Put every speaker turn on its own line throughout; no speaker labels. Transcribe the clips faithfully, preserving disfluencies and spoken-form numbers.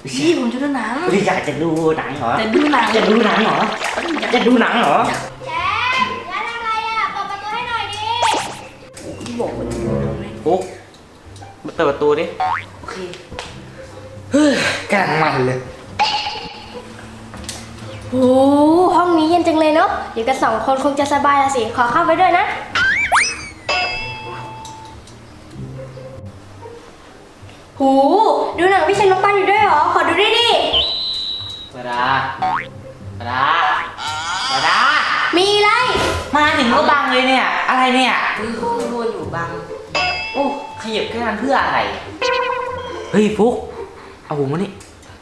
พี่ผมจะดูหนัง
พี่อยากจะดูหนังเหรอ
จะดูหนัง
จะดูหนังเหรอจะดูหนังเหรอ
แชมป์ร้านอะไรอ่ะเปิดประตูให้หน่อยดิ
พี่บอกว่าจะดูหนังเลย
ปุ๊กเปิดประตูดิ
โอเค
เฮ้ยกำลังมันเลย
โอ้ห้องนี้เย็นจังเลยเนาะอยู่กันสองคนคงจะสบายละสิขอเข้าไปด้วยนะหูดูหนังพี่ชายน้องปันอยู่ด้วยเหรอขอดูด้วยดิ
ปาดาปาดาปาดา
มีอะไร
มาถึงก็บังเลยเนี่ยอะไรเนี่ย
คือข้างบนอยู่บัง
โอ้ขยับแค่นั้นเพื่ออะไรเฮ้ยฟุกเอาผมมานี่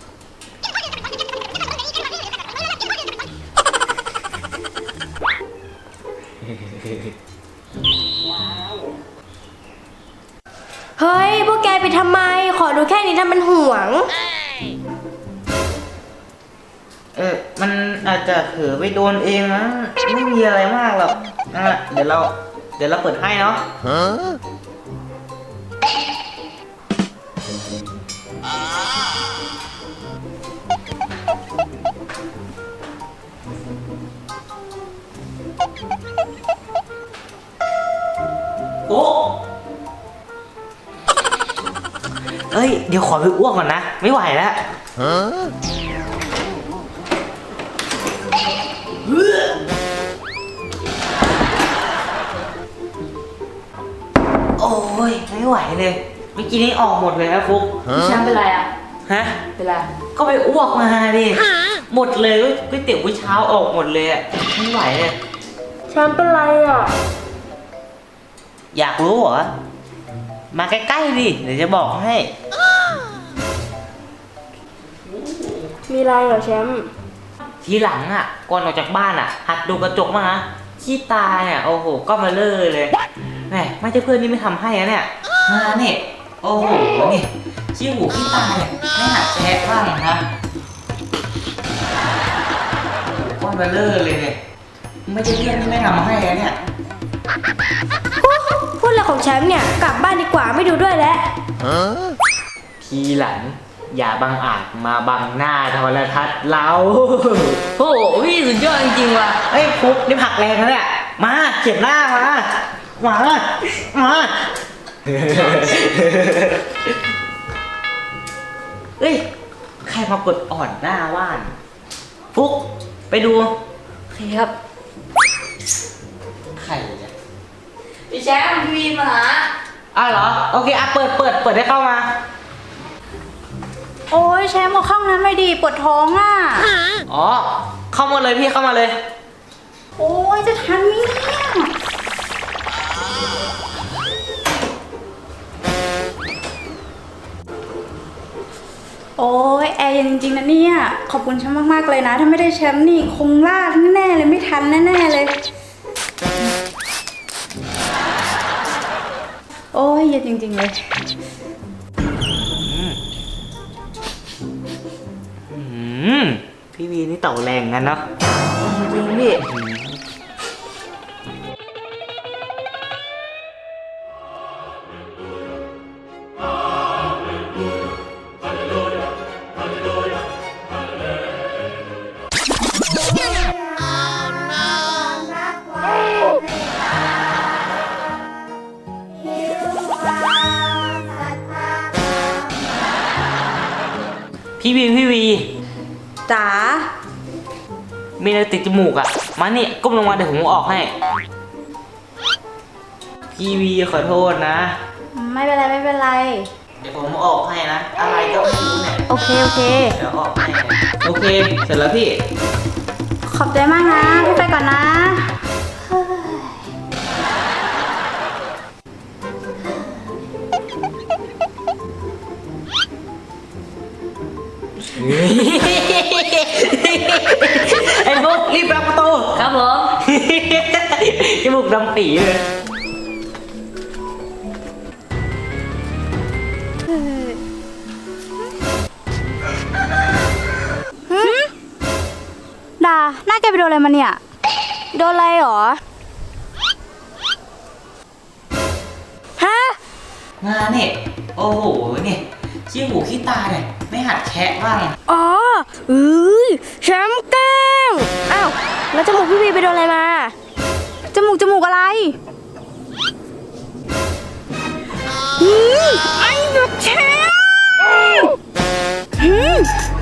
เฮ้ยพวกแกไปทำไมขอดูแค่นี้ทำมันห่วง
เออมันอาจจะเผลอไปโดนเองนะไม่มีอะไรมากหรอกอ่ะเดี๋ยวเราเดี๋ยวเราเปิดให้เนาะโอ้เอ้ยเดี๋ยวขอไปอ้วกก่อนนะไม่ไหวแล้วโอ้ยไม่ไหวเลยเมื่อกี้นี้ออกหมดเลยนะฟุก
พี่แชมป์เป็นไรอ่ะ
ฮะ
เป็นไร
ก็ไปอ้วกมาดิหมดเลยก๋วยเตี๋ยวมื้อเช้าออกหมดเลยอ่ะไม่ไหวเลย
แชมป์เป็นไรอ่ะ
อยากรู้เหรอมาใกล้ๆดิเดี๋ยวจะบอกให้
มีอะไรเหรอแชมป์
ทีหลังอ่ะก่อนออกจากบ้านอ่ะหัดดูกระจกบ้างนะขี้ตาเนี่ยโอ้โหก็มาเลอะเลยแหมไม่ใช่เพื่อนนี่ไม่ทำให้นะเนี่ยมาเนี่ยโอ้โหนี่ขี้หูขี้ตาเนี่ยไม่หัดแชะบ้างนะก็มาเลอะเลยเนี่ยไม่ใช่เพื่อนที่ไม่ทำให้นะเนี่ย
พูดอะไรของแชมป์เนี่ยกลับบ้านดีกว่าไม่ดูด้วยแล้ว
ทีหลังอย่าบังอาจมาบังหน้าโทรทัศน์เรา
โอ้โหพี่สุดยอดจริงๆว่ะ
เฮ้ยฟุกนี่ผักแรงนะเนี่ยมาเขียนหน้ามามามาเฮ้ยใครมากดอ่อนหน้าว่านฟุกไปดู
โอเคครับ
ใครเนี่ย
พี่แชมป์พี่วีมาหา
อ้าวเหรอโอเคอ่ะเปิดเปิดเปิดให้เข้ามา
โอ้ยแชมป์มาเข้าน้ำไม่ดีปวดท้องอ่ะ
อ๋อเข้ามาเลยพี่เข้ามาเลย
โอ้ยจะทันไหมเนี่ยโอ้ยแอร์เย็นจริงๆนะเนี่ยขอบคุณแชมป์มากๆเลยนะถ้าไม่ได้แชมป์นี่คงลาดแน่ๆเลยไม่ทันแน่ๆเลยโอ้ยเย็นจริงๆเลย
พี่วีนี่เต่าแรงกันเนาะ
จริงพี่
พี่วีพี่วี
จ๋า
มีอะไรติดจมูกอ่ะมานี่ก้มลงมาเดี๋ยวผมออกให้พี่วีขอโทษนะ
ไม่เป็นไรไม่เป็นไร
เดี๋ยวผมออกให้นะอะไรก็ไม่รู้เนี่ย
โอเคโอเค
เดี๋ยวออกให้โอเคเสร็จแล้วพี่
ขอบใจมากนะพี่ไปก่อนนะ
ไอ้บุ๊กรีบรับประตู
ครับผม
จมูกดำปีเลย
ดาหน้าแกไปโดนอะไรมาเนี่ยโดนอะไรหรอฮะ
งานเนี่ยโอ้โหเนี่ยขี้หูขี้ตาเนี่ยไม่หัดแคะบ้าง
อ๋อเอ้ยแชมป์แกล้งอ้าว แล้วจมูกพี่วีไปโดนอะไรมา
จมูกจมูกอะไร
อืมไอ้หนูแชมป์อืม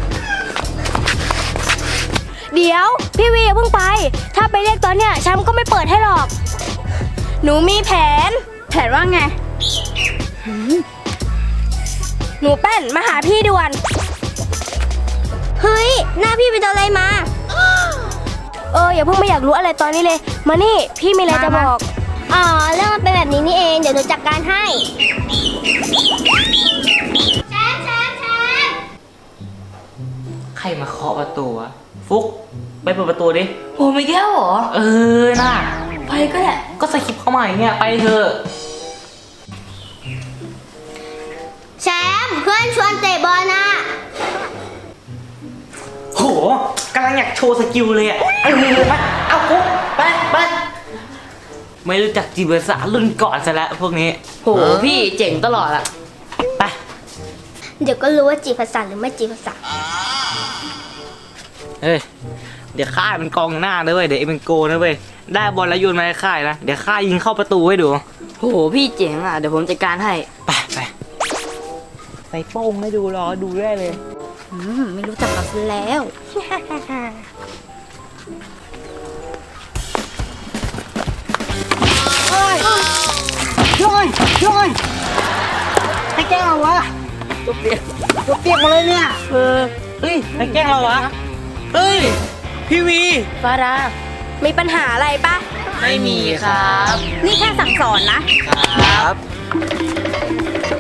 เดี๋ยว พี่วีอย่าเพิ่งไป ถ้าไปเรียกตอนเนี้ยแชมป์ก็ไม่เปิดให้หรอก หนูมีแผน
แผนว่าไง
หนูแป้นมาหาพี่ด่วน เฮ้ย หน้าพี่ไปโดนอะไรมา เอออย่าเพิ่งไม่อยากรู้อะไรตอนนี้เลย มานี่พี่มีอะไรจะบอก อ๋อเรื่องมันเป็นแบบนี้นี่เอง เดี๋ยวหนูจัดการให้ แชมป์แชมป์แชมป์
ใครมาเคาะประตูวะฟุกไปเปิดประตูดิ
ผมอีกแล้วเหรอ
เออน่ะ
ไปก็ได้
ก็สคริปต์เข้ามาอย่างเนี่ยไปเถอะ
แชมป์เพื่อนชวนเตะบอลนะ
โหกำลังอยากโชว์สกิลเลยอ่ะเออไปเอาฟุกไปไปไม่รู้จักจีบภาษารุ่นก่อนซะแล้วพวกนี้
โหพี่เจ๋งตลอดอะ
ไป
เดี๋ยวก็รู้ว่าจีบภาษาหรือไม่จีบภาษา
เฮ้ยเดี๋ยวข้าเป็นกองหน้านะเว้ยเดี๋ยวเอ็มเป็นโกนะเว้ยได้บอลแล้วโยนมาให้ข้านะเดี๋ยวข้ายิงเข้าประตูให้ดู
โหพี่เจ๋งอะเดี๋ยวผมจัดการให้
ไปไปใส่โป้งให้ดูรอดูได้เลย
อืม ไม่รู้จักกันซะแล้ว
ช่วยช่วยให้แกล้งเราวะตัวเปียกตัวเปียกมาเลยเนี่ยเออเฮ้ยให้แกล้งเราวะเฮ้ยพี่วี
ฟาดา
มีปัญหาอะไรปะ
ไม่มีครับ
นี่แค่สั่งสอนนะ
ครับ